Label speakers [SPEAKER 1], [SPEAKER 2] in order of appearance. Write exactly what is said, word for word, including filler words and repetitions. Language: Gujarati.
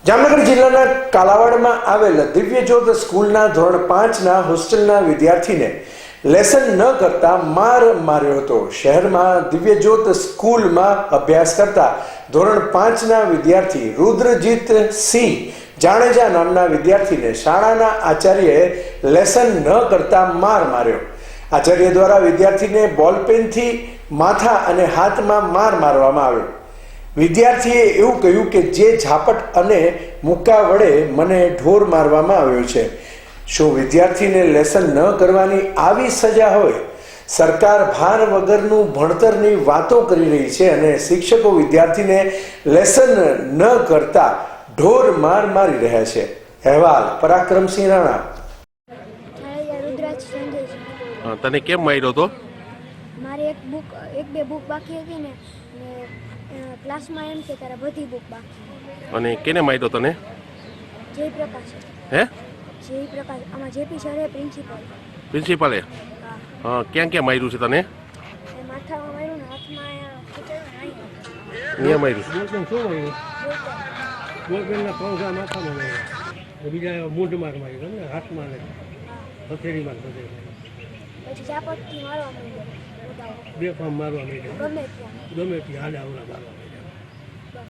[SPEAKER 1] જામનગર જિલ્લાના કાલાવાડમાં આવેલ દિવ્યજ્યોત સ્કૂલના ધોરણ પાંચના હોસ્ટેલના વિદ્યાર્થીને લેસન ન કરતા માર માર્યો હતો। શહેરમાં દિવ્યજ્યોત સ્કૂલમાં અભ્યાસ કરતા ધોરણ પાંચના વિદ્યાર્થી રુદ્રજીત સિંહ જાડેજા નામના વિદ્યાર્થીને શાળાના આચાર્યએ લેસન ન કરતા માર માર્યો। આચાર્ય દ્વારા વિદ્યાર્થીને બોલપેનથી માથા અને હાથમાં માર મારવામાં આવ્યો। વિદ્યાર્થીએ એવું કહ્યું કે જે ઝાપટ અને મુક્કા વડે મને ઢોર મારવામાં આવ્યો છે। શું વિદ્યાર્થીને લેસન ન કરવાની આવી સજા હોય? સરકાર ભાર વગરનું ભણતરની વાતો કરી રહી છે અને શિક્ષકો વિદ્યાર્થીને લેસન ન કરતા ઢોર માર મારી રહ્યા છે। અહેવાલ પરાક્રમસિંહ રાણા।
[SPEAKER 2] તને કેમ માર્યો તો?
[SPEAKER 3] મારી એક બુક એક બે બુક બાકી હતી ને ક્લાસમાં એમ કે તારા બધી બુક બાકી।
[SPEAKER 2] અને કેને માર્યો તને?
[SPEAKER 3] જયપ્રકાશ।
[SPEAKER 2] હે?
[SPEAKER 3] જયપ્રકાશ આમાં જેપી સર હે પ્રિન્સિપલ।
[SPEAKER 2] પ્રિન્સિપાલે? હા, ક્યાં ક્યાં માર્યું છે તને?
[SPEAKER 3] માથામાં માર્યું ને હાથમાં અહીંયા
[SPEAKER 2] અહીંયા માર્યું?
[SPEAKER 4] બોલપેન શું માર્યું? બોલપેનના પંખા માથામાં માર્યા, બીજા મૂઢ માર માર્યો ને હાથમાં ને હથેળી માર બધે
[SPEAKER 3] પછી ઝાપટથી મારવા માંડ્યો,
[SPEAKER 4] બે ફામ મારવા માંડ્યો,
[SPEAKER 3] ગમે ત્યાં
[SPEAKER 4] ગમે ત્યાં હાડા આવડા મારવા।